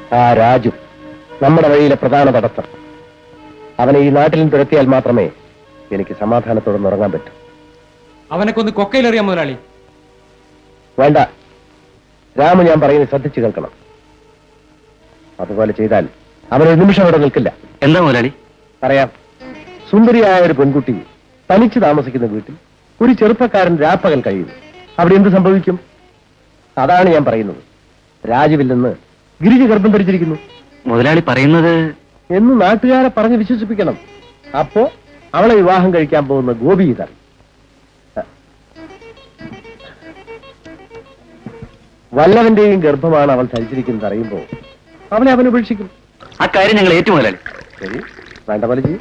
ആ രാജു നമ്മുടെ വഴിയിലെ പ്രധാന തടസ്സം. അവനെ ഈ നാട്ടിൽ നിന്ന് തുരത്തിയാൽ മാത്രമേ എനിക്ക് സമാധാനത്തോടെ ഉറങ്ങാൻ പറ്റൂ. അവനൊക്കെ ഒന്ന് കൊക്കയിലെറിയാം മുതലാളി. വേണ്ട, രാമു ഞാൻ പറയുന്നത് ശ്രദ്ധിച്ചു കേൾക്കണം. അതുപോലെ ചെയ്താൽ അവനൊരു നിമിഷം അവിടെ നിൽക്കില്ല. എന്താ മുതലാളി? പറയാം. സുന്ദരിയായ ഒരു പെൺകുട്ടി തനിച്ച് താമസിക്കുന്ന വീട്ടിൽ ഒരു ചെറുപ്പക്കാരൻ രാപ്പകൽ കഴിയുന്നു. അവിടെ എന്ത് സംഭവിക്കും? അതാണ് ഞാൻ പറയുന്നത്. രാജുവിൽ നിന്ന് ഗിരിജ ഗർഭം ധരിച്ചിരിക്കുന്നു. മുതലാളി പറയുന്നത് എന്ന് നാട്ടുകാരെ പറഞ്ഞ് വിശ്വസിപ്പിക്കണം. അപ്പോ അവളെ വിവാഹം കഴിക്കാൻ പോകുന്ന ഗോപി ഇതാണ്. വല്ലവന്റെയും ഗർഭമാണ് അവൾ ധരിച്ചിരിക്കുന്നത് അറിയുമ്പോൾ അവനെ അവൻ ഉപേക്ഷിക്കും. ആ കാര്യം ഞങ്ങൾ ഏറ്റു മുതലാളി. ശരി, വേണ്ട പോലെ ചെയ്യും.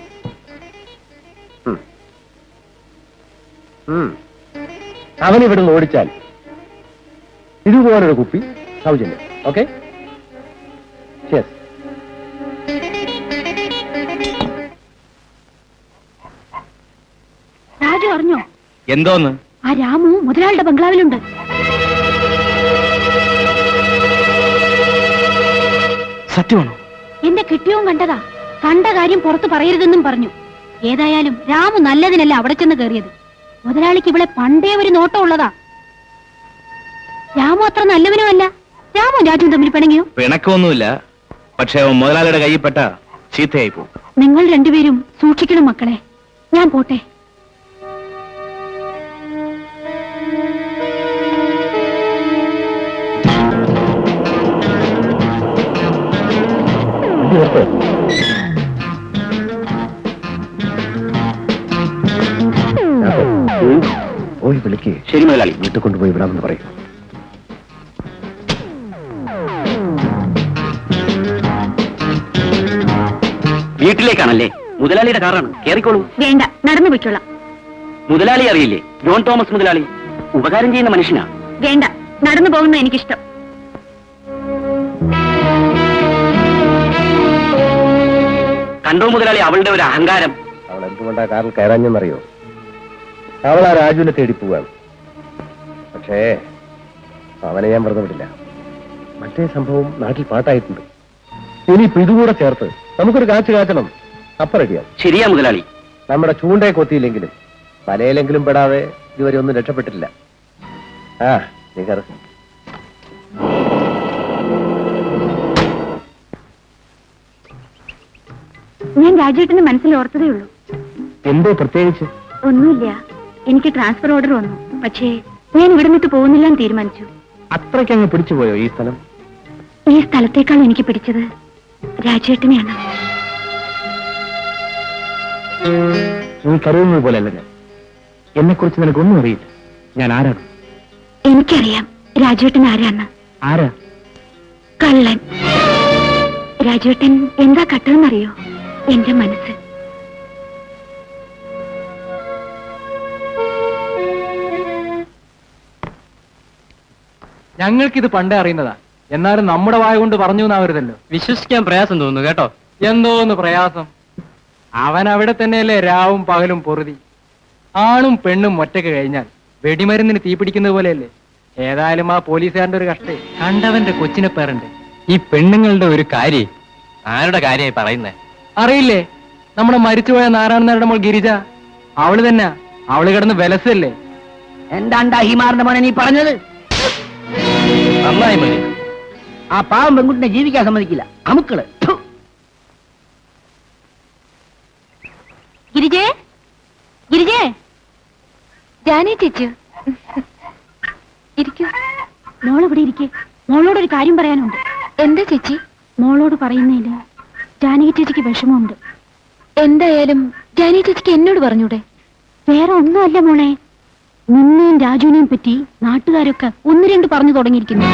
അവൻ ഇവിടുന്ന് ഓടിച്ചാൽ ഇതുപോലൊരു കുപ്പി സൗജന്യം. ഓക്കെ? യെസ്. രാജു അറിഞ്ഞോ? എന്തോന്ന്? ആ രാമു മുതലാളിയുടെ ബംഗ്ലാവിലുണ്ട്. സത്യമാണോ? എന്റെ കിട്ടിയവും കണ്ടതാ. കണ്ട കാര്യം പുറത്ത് പറയരുതെന്നും പറഞ്ഞു. ഏതായാലും രാമു നല്ലതിനല്ല അവിടെ ചെന്ന് കയറിയത്. മുതലാളിക്ക് ഇവിടെ പണ്ടേ ഒരു നോട്ടം ഉള്ളതാ. രാമു അത്ര നല്ലവനുമല്ല. രാമു രാജുവും തമ്മിൽ പിണങ്ങിയോ? പിണക്കൊന്നുമില്ല, പക്ഷെ മുതലാളിയുടെ കയ്യിൽപ്പെട്ട ചീത്തയായി പോകും. നിങ്ങൾ രണ്ടുപേരും സൂക്ഷിക്കണം മക്കളെ. ഞാൻ പോട്ടെ. പോയി വിളിക്ക്. ശരി മുതലാളി. വീട്ടിൽ കൊണ്ടുപോയി വിടാമെന്ന് പറയും. വീട്ടിലേക്കാണല്ലേ? മുതലാളിയുടെ കാറാണ്, കേറിക്കോളൂ. വേണ്ട, നടന്നു പൊയ്ക്കൊള്ളാം. മുതലാളി അറിയില്ലേ? ജോൺ തോമസ് മുതലാളി ഉപകാരം ചെയ്യുന്ന മനുഷ്യനാ. വേണ്ട, നടന്നു പോകുന്ന എനിക്കിഷ്ടം. കണ്ടോ മുതലാളി അവളുടെ ഒരു അഹങ്കാരം. അവൾ എന്തുകൊണ്ടാ കാറിൽ കയറാഞ്ഞെന്നറിയോ? അവൾ ആ രാജുവിനെ തേടി പോവാണ്. പക്ഷേ അവനെ ഞാൻ വെറുതെ വിടില്ല. മറ്റേ സംഭവം നാട്ടിൽ പാട്ടായിട്ടുണ്ട്. ഇനിയിപ്പോ ഇതുകൂടെ ചേർത്ത് നമുക്കൊരു കാച്ചു കാച്ചണം. അപ്പ റെഡിയാവും. ശരിയാ മുതലാളി. നമ്മുടെ ചൂണ്ടയെ കൊത്തിയില്ലെങ്കിലും വലയിലെങ്കിലും പെടാതെ ഇതുവരെ ഒന്നും രക്ഷപ്പെട്ടിട്ടില്ല. ആ നീ കയറി. ഞാൻ രാജേട്ടന് മനസ്സിൽ ഓർത്തതേ ഉള്ളൂ. എന്തോ പ്രത്യേകിച്ച്? ഒന്നുമില്ല. എനിക്ക് ട്രാൻസ്ഫർ ഓർഡർ വന്നു. പക്ഷേ ഞാൻ ഇവിടെ നിന്നിട്ട് പോകുന്നില്ല എന്ന് തീരുമാനിച്ചു. അത്രയ്ക്കങ്ങ് പിടിച്ചുപോയോ ഈ സ്ഥലം? ഈ സ്ഥലത്തേക്കാൾ എനിക്ക് പിടിച്ചത് രാജേട്ടനെയാണ്. നീ കരുതുന്നത് പോലെയല്ല ഞാൻ. എന്നെ കുറിച്ച് നിനക്കൊന്നും അറിയില്ല. ഞാൻ ആരാണ്? എനിക്കറിയാം രാജേട്ടൻ ആരാണ്. ആരാ? കള്ളൻ. രാജേട്ടൻ എന്താ കട്ടതെന്നറിയോ? എന്റെ മനസ്സ്. ഞങ്ങൾക്കിത് പണ്ടേ അറിയുന്നതാ. എന്നാലും നമ്മുടെ വായ കൊണ്ട് പറഞ്ഞു എന്നാവരുതല്ലോ. വിശ്വസിക്കാൻ പ്രയാസം തോന്നുന്നു കേട്ടോ. എന്തോന്ന് പ്രയാസം? അവൻ അവിടെ തന്നെയല്ലേ രാവും പകലും പൊറുതി. ആണും പെണ്ണും ഒറ്റക്ക് കഴിഞ്ഞാൽ വെടിമരുന്നിന് തീ പിടിക്കുന്നത് പോലെയല്ലേ. ഏതായാലും ആ പോലീസുകാരന്റെ ഒരു കഷ്ടേ. കണ്ടവന്റെ കൊച്ചിനെ പേരുണ്ട്. ഈ പെണ്ണുങ്ങളുടെ ഒരു കാര്യം ആരുടെ കാര്യമായി പറയുന്നേ? അറിയില്ലേ? നമ്മുടെ മരിച്ചുപോയ നാരായണനാരുടെ മോൾ ഗിരിജ. അവള് തന്നെ. അവള് കിടന്ന് വിലസല്ലേ. എന്താണ്ടാ ഹിമാറിന്റെ മോനെ നീ പറഞ്ഞത്? നന്നായി മതി. ആ പാവം പെൺകുട്ടിനെ ജീവിക്കാൻ സമ്മതിക്കില്ല. അമുക്കള്. ഗിരിജേ, ഗിരിജേ. ജാനേ ചേച്ചി ഇരിക്കൂ. മോളിവിടെ ഇരിക്കേ. മോളോടൊരു കാര്യം പറയാനുണ്ട്. എന്താ ചേച്ചി? മോളോട് പറയുന്നതില് ജാനകി ചേച്ചിക്ക് വിഷമമുണ്ട്. എന്തായാലും ജാനകി ചേച്ചിക്ക് എന്നോട് പറഞ്ഞൂടെ? വേറെ ഒന്നുമല്ല മോളെ, നിന്നെയും രാജുവിനെയും പറ്റി നാട്ടുകാരൊക്കെ ഒന്ന് രണ്ട് പറഞ്ഞു തുടങ്ങിയിരിക്കുന്നു.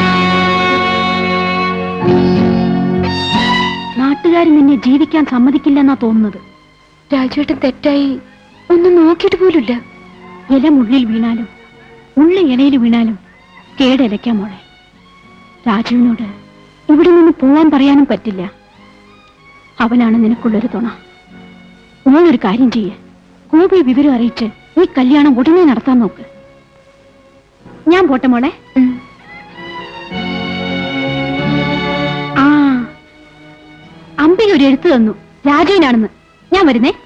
നാട്ടുകാർ നിന്നെ ജീവിക്കാൻ സമ്മതിക്കില്ലെന്നാ തോന്നുന്നത്. രാജുവേട്ടൻ തെറ്റായി ഒന്നും നോക്കിയിട്ട് പോലുമില്ല. ഇല മുള്ളിൽ വീണാലും മുള്ള ഇലയിൽ വീണാലും കേടലയ്ക്കാം മോളെ. രാജുവിനോട് ഇവിടെ നിന്ന് പോവാൻ പറയാനും പറ്റില്ല. അവനാണ് നിനക്കുള്ളൊരു തുണ. മോളൊരു കാര്യം ചെയ്യേ, ഗോപി വിവരം അറിയിച്ച് ഈ കല്യാണം ഉടനെ നടത്താൻ നോക്ക്. ഞാൻ പോട്ടെ മോളെ. ആ ഒരു എഴുത്ത് തന്നു, രാജുവിനാണെന്ന്. ഞാൻ വരുന്നേ.